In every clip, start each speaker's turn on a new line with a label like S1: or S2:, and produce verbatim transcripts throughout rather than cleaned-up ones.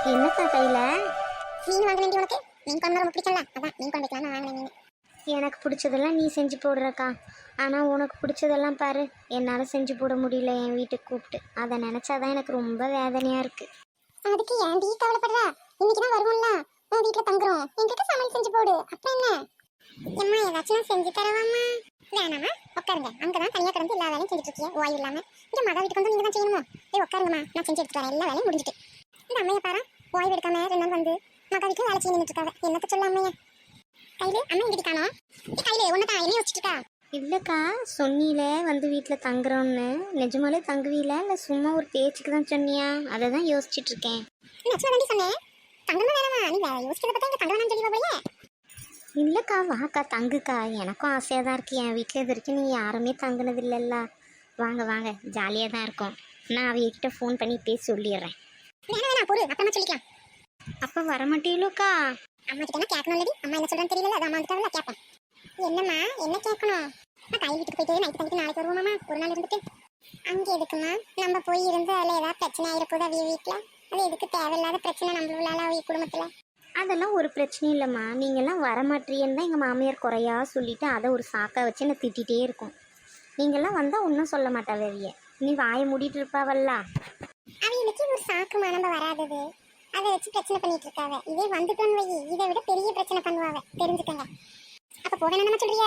S1: என்னக்கா கையில?
S2: மீன் வாங்க வேண்டிய உனக்கு மீன் குழம்பு ரொம்ப பிடிக்கல, அதான் மீன் குழம்பு வைக்கலாம் வாங்கினேன் மீன்.
S1: எனக்கு பிடிச்சதெல்லாம் நீ செஞ்சு போடுறக்கா. ஆனால் உனக்கு பிடிச்சதெல்லாம் பாரு, என்னால் செஞ்சு போட முடியல என் வீட்டுக்கு கூப்பிட்டு. அதை நினச்சாதான் எனக்கு ரொம்ப வேதனையாக இருக்குது.
S2: அதுக்கு ஏன் டீ கவலைப்படுறா? இன்னைக்கு தான் வருவோம்ல, உன் வீட்டில் தங்குறோம், என்கிட்ட சமையல் செஞ்சு போடு. அப்புறம் என்ன எம்மா, ஏதாச்சும் செஞ்சு தரவாம்மா? வேணாமா, உட்காருங்க. அங்கதான் தனியாக கிடந்து எல்லா வேலையும் செஞ்சுட்டு இருக்கீங்க ஓய்வு இல்லாமல். இங்கே மகா வீட்டுக்கு வந்து நீங்கள் தான் செய்யணுமோ? ஏய் உட்காருங்கம்மா, நான் செஞ்சு எடுத்துட்டு வரேன். எல்லா வேலையும் முடிஞ்சிட்டு. இந்த அம்மையை பாரு, ஓய்வு எடுக்காம ரெண்டு நாள் வந்து மகா வீட்டில் வேலை செய்ய நின்றுட்டு இருக்காங்க. என்னத்த சொல்ல அம்மையா? கையில அம்மா எங்கிட்ட காணோம். கையில ஒன்னதான் என்ன வச்சுட்டு இருக்கா?
S1: இல்லைக்கா, சொன்னீல வந்து வீட்டில் தங்குறோன்னு. நிஜமாலே தங்குவீல இல்லை சும்மா ஒரு பேச்சுக்கு தான் சொன்னியா? அதை தான் யோசிச்சுட்டு இருக்கேன்.
S2: நச்சுவா தாண்டி சொன்னேன், தங்கணும் வேணாமா? நீ யோசிக்கிறத பார்த்தா இங்கே தங்க வேணாம்னு சொல்லி போலையே.
S1: இல்லைக்கா, வாக்கா தங்குக்கா. எனக்கும் ஆசையாக தான் இருக்குது. என் வீட்டில் இது வரைக்கும் நீ யாருமே தங்குனது இல்லைல்ல. வாங்க வாங்க, ஜாலியாக தான் இருக்கும். நான் அவகிட்ட ஃபோன் பண்ணி பேசி சொல்லிடுறேன்.
S2: வேணா வேணா பொறு, அப்புறமா சொல்லிக்கலாம்.
S1: அப்போ வரமாட்டீங்களோக்கா?
S2: அம்மா கிட்ட கேட்கணும் இல்லடி, அம்மா என்ன சொல்றேன்னு தெரியல, அது அம்மா கிட்ட கேட்பேன். என்னம்மா என்ன கேட்கணும்? நான் கையில் வீட்டுக்கு போயிட்டு நைட்டு தங்கிட்டு நாளைக்கு வருவோமாம்மா, ஒரு நாள் இருந்துட்டு. அங்கே எதுக்குமா நம்ம போய் இருந்து அதில் ஏதாவது பிரச்சனை ஆகிருக்குது அவிய வீட்டில்? அது எதுக்கு தேவையில்லாத பிரச்சனை நம்மளால அவிய குடும்பத்தில்?
S1: அதெல்லாம் ஒரு பிரச்சனையும் இல்லைம்மா. நீங்கள்லாம் வரமாட்டீங்கன்னு தான் எங்கள் மாமியார் குறையா சொல்லிவிட்டு அதை ஒரு சாக்கை வச்சு என்னை திட்டிகிட்டே இருக்கும். நீங்கள்லாம் வந்தால் ஒன்றும் சொல்ல மாட்டா வெவிய. நீ வாயை மூடிட்டு இருப்பாவல்ல.
S2: அவைகளுக்கு ஒரு சாக்குமா நம்ம வராதது, அதை வச்சு பிரச்சனை பண்ணிட்டு இருக்காவ. இதே வந்துட்டோன்னு வை, இதை விட பெரிய பிரச்சனை பண்ணுவாவ, தெரிஞ்சுக்கங்க. அப்ப போக என்ன சொல்றிய?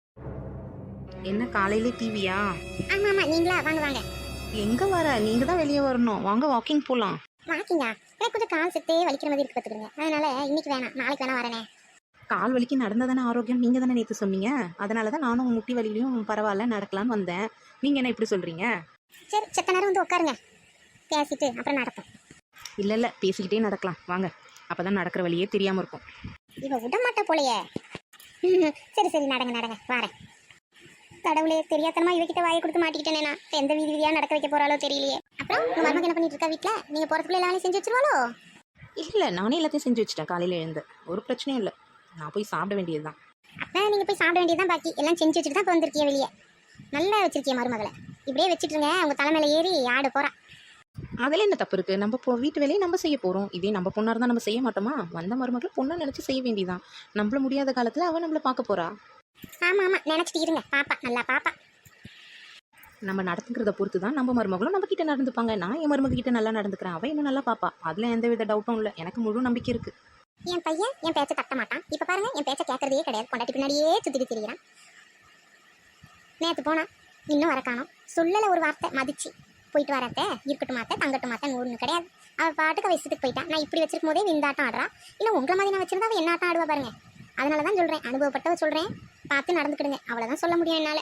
S3: என்ன காலையிலே டிவியா?
S2: ஆமா ஆமா, நீங்களா? வாங்க வாங்க.
S3: எங்க வர? நீங்க தான் வெளியே வரணும். வாங்க வாக்கிங் போலாம்.
S2: வாக்கிங்கா? எனக்கு கொஞ்சம் கால் செத்தே வலிக்கிற மாதிரி இருக்கு பார்த்துக்கங்க. அதனால இன்னைக்கு வேணாம், நாளைக்கு வேணா வரேனே.
S3: கால் வலிக்கு நடந்தா தானே ஆரோக்கியம், நீங்க தானே நேற்று சொன்னீங்க. அதனால தான் நானும் முட்டி வலியிலையும் பரவாயில்ல நடக்கலான்னு வந்தேன். நீங்க என்ன இப்படி சொல்றீங்க?
S2: சரி, செத்த நேரம் வந்து உட்காருங்க, பேசிட்டு அப்புறம் நடப்போம்.
S3: இல்ல இல்ல, பேசிக்கிட்டே நடக்கலாம் வாங்க. அப்பதான் நடக்கிற வழியே தெரியாம இருக்கும்.
S2: இவ விட மாட்டா போலையே. சரி சரி, நடங்க நடங்க, வரேன். கடவுளே, தெரியாதனமா இவகிட்ட வாயை கொடுத்து மாட்டிக்கிட்டேனே. நான் எந்த வீதி வீதியா நடக்க வைக்க போறாளோ தெரியலையே. அப்புறம் உங்க மருமக என்ன பண்ணிட்டு இருக்கா வீட்டுல? நீங்க போறதுக்குள்ள எல்லா வேலையும் செஞ்சு வச்சிருவாளோ?
S3: இல்ல, நானே எல்லாத்தையும் செஞ்சு வச்சுட்டேன். காலையில எழுந்து ஒரு பிரச்சனையும் இல்லை. நான் போய் சாப்பிட வேண்டியதுதான்.
S2: அப்ப நீங்க போய் சாப்பிட வேண்டியதுதான். பாக்கி எல்லாம் செஞ்சு வச்சுட்டு தான் இப்போ வந்திருக்கிய வெளியே. நல்லா வச்சிருக்கிய மருமகளை. இப்படியே வச்சுட்டுருங்க, அவங்க தலைமையில ஏறி ஆடு போறா.
S3: அதில் என்ன தப்பு இருக்குது? நம்ம போ வீட்டு வேலையை நம்ம செய்ய போகிறோம். இதே நம்ம பொண்ணாக இருந்தால் நம்ம செய்ய மாட்டோமா? வந்த மருமகளை பொண்ணை நினச்சி செய்ய வேண்டியதான். நம்மள முடியாத காலத்தில் அவன் நம்மளை பார்க்க போகிறா.
S2: ஆமா ஆமா, நினச்சிட்டு இருங்க. பாப்பா நல்லா பாப்பா.
S3: நம்ம நடந்துக்கிறத பொறுத்து தான் நம்ம மருமகளும் நம்ம கிட்ட நடந்துப்பாங்க. நான் என் மருமக கிட்ட நல்லா நடந்துக்கிறேன், அவன் என்ன நல்லா பாப்பா. அதில் எந்த வித டவுட்டும் இல்லை. எனக்கு முழு நம்பிக்கை இருக்குது.
S2: என் பையன் என் பேச்சை தட்ட மாட்டான். இப்போ பாருங்க, என் பேச்சை கேட்கறதே கிடையாது. கொண்டாட்டி பின்னாடியே சுற்றிட்டு திரிகிறான். நேற்று போனா இன்னும் வர காணோம். சொல்லலை ஒரு வார்த்தை, மதிச்சு போயிட்டு வரத்த இருக்கட்டும் மாத்த தங்கட்டும் மாத்தன்னு ஒன்று கிடையாது. அவள் பாட்டுக்கு வயசுக்கு போயிட்டான். நான் இப்படி வச்சிருக்கும் போதே இந்த ஆட்டம் ஆடுறா. இல்லை உங்களை மாதிரி நான் வச்சிருந்தா அவள் என்ன ஆட்டம் ஆடுவா பாருங்க. அதனால தான் சொல்கிறேன், அனுபவப்பட்டவ சொல்கிறேன், பார்த்து நடந்துக்கிடுங்க. அவ்வளோதான் சொல்ல முடியும் என்னால்.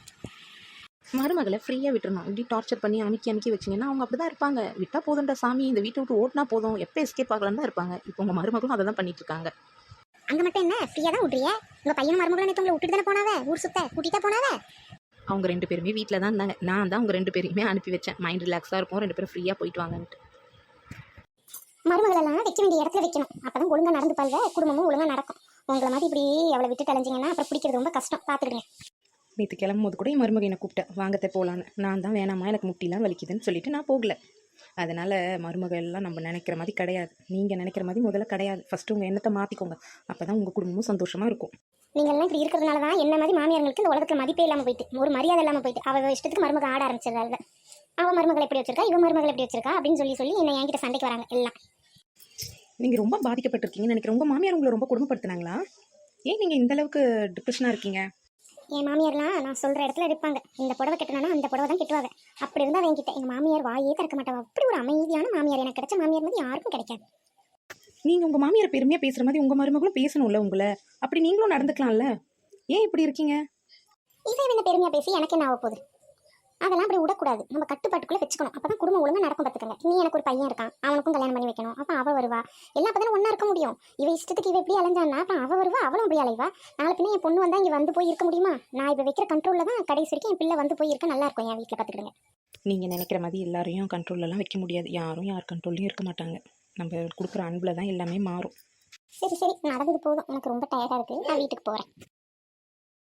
S3: மருமகளை ஃப்ரீயாக விட்டுறணும். இப்படி டார்ச்சர் பண்ணி அமுக்கி அமுக்கி வச்சிங்கன்னா அவங்க அப்படி தான் இருப்பாங்க. விட்டால் போதுன்ற சாமி, இந்த வீட்டை விட்டு ஓட்டினா போதும், எப்போ எஸ்கேப் ஆகலாம் தான் இருப்பாங்க. இப்போ உங்கள் மருமகளும் அதை தான் பண்ணிட்டு இருக்காங்க.
S2: அங்கே மட்டும் என்ன ஃப்ரீயாக தான் விட்றிய? உங்கள் பையனும் மருமகளும் நேற்று உங்களை விட்டுட்டு தானே போனாவே, ஊர் சுத்த கூட்டிகிட்டா போனாவே.
S3: அவங்க ரெண்டு பேருமே வீட்டில் தான் இருந்தாங்க. நான் தான் அவங்க ரெண்டு பேரையுமே அனுப்பி வச்சேன். மைண்ட் ரிலாக்ஸாக இருக்கும், ரெண்டு பேரும் ஃப்ரீயாக போயிட்டு வாங்கன்ட்டு.
S2: மருமகளெல்லாம் வைக்க வேண்டிய இடத்துல வைக்கணும். அப்போ தான் ஒழுங்காக நடந்து பாருங்க, குடும்பமும் ஒழுங்காக நடக்கும். உங்களை மாதிரி இப்படி அவளை விட்டு தலைஞ்சிங்கன்னா அப்புறம் பிடிக்கிறது ரொம்ப கஷ்டம். பார்த்துக்கிடுங்க.
S3: நேற்று கிளம்பும் போது கூட என் மருமக என்னை கூப்பிட்டேன், வாங்கத்தை போகலான்னு. நான் தான் வேணாமா, எனக்கு முட்டிலாம் வலிக்குதுன்னு சொல்லிட்டு நான் போகல. அதனால் மருமக எல்லாம் நம்ம நினைக்கிற மாதிரி கிடையாது. நீங்கள் நினைக்கிற மாதிரி முதல்ல கிடையாது. ஃபஸ்ட்டு உங்கள் எண்ணத்தை மாற்றிக்கோங்க. அப்போ தான் உங்கள் குடும்பமும் சந்தோஷமாக இருக்கும்.
S2: நீங்கள்லாம் இப்படி இருக்கிறதுனால தான் என்ன மாதிரி மாமியார்களுக்கு இந்த உலகத்தில் மதிப்பே இல்லாமல் போயிட்டு, ஒரு மரியாதை இல்லாமல் போயிட்டு, அவள் இஷ்டத்துக்கு மருமக ஆட ஆரம்பிச்சிடறாங்க. அவள் மருமகளை எப்படி வச்சிருக்கா, இவன் மருமகளை எப்படி வச்சிருக்கா அப்படின்னு சொல்லி சொல்லி என்ன என்கிட்ட சண்டைக்கு வராங்க எல்லாம்.
S3: நீங்கள் ரொம்ப பாதிக்கப்பட்டிருக்கீங்கன்னு நினைக்கிறேன். உங்கள் மாமியார் உங்களை ரொம்ப கொடுமைப்படுத்தினாங்களா? ஏன் நீங்கள் இந்த அளவுக்கு டிப்ரெஷனாக இருக்கீங்க?
S2: என் மாமியார்லாம் நான் சொல்கிற இடத்துல இருப்பாங்க. இந்த புடவை கட்டினா அந்த புடவை தான் கட்டுவாங்க. அப்படி இருந்தால் என்கிட்ட எங்கள் மாமியார் வாயே திறக்க மாட்டாவா. அப்படி ஒரு அமைதியான மாமியார் எனக்கு கிடைச்ச மாமியார் மாதிரி யாருக்கும் கிடைக்காது.
S3: நீங்கள் உங்கள் மாமியார் பெருமையாக பேசுகிற மாதிரி உங்கள் மருமகளும் பேசணும்ல உங்களை. அப்படி நீங்களும் நடந்துக்கலாம்ல. ஏன் இப்படி இருக்கீங்க?
S2: இதை என்ன பெருமையாக பேசி எனக்கு என்ன ஆக போகுது? அதெல்லாம் அப்படி விடக்கூடாது. நம்ம கட்டுப்பாட்டுக்குள்ளே வச்சுக்கணும். அப்போ தான் குடும்பம் ஒழுங்காக நடக்கும். பார்த்துக்கங்க. நீ எனக்கு ஒரு பையன் இருக்கான், அவனுக்கும் கல்யாணம் பண்ணி வைக்கணும். அப்போ அவள் வருவா, எல்லாம் அப்போ தானே ஒன்றா இருக்க முடியும். இவ இஷ்டத்துக்கு இவ எப்படி அலைஞ்சான்னா அப்போ அவள் வருவா, அவளும் அப்படி அலைவா. நாளை பின்ன என் பொண்ணு வந்தால் இங்கே வந்து போய் இருக்க முடியுமா? நான் இப்போ வைக்கிற கண்ட்ரோலில் தான் கடைசி வரைக்கும் என் பிள்ளை வந்து போய் இருக்க நல்லா இருக்கும் என் வீட்டில். பார்த்துக்கிடுங்க.
S3: நீங்கள் நினைக்கிற மாதிரி எல்லாரையும் கண்ட்ரோலெலாம் வைக்க முடியாது. யாரும் யார் கண்ட்ரோல்லையும் இருக்க மாட்டாங்க. நம்ம கொடுக்குற அன்பில் தான் எல்லாமே மாறும்.
S2: சரி சரி, நடந்தது போதும். எனக்கு ரொம்ப டயர்டாக இருக்குது. நான் வீட்டுக்கு போகிறேன்.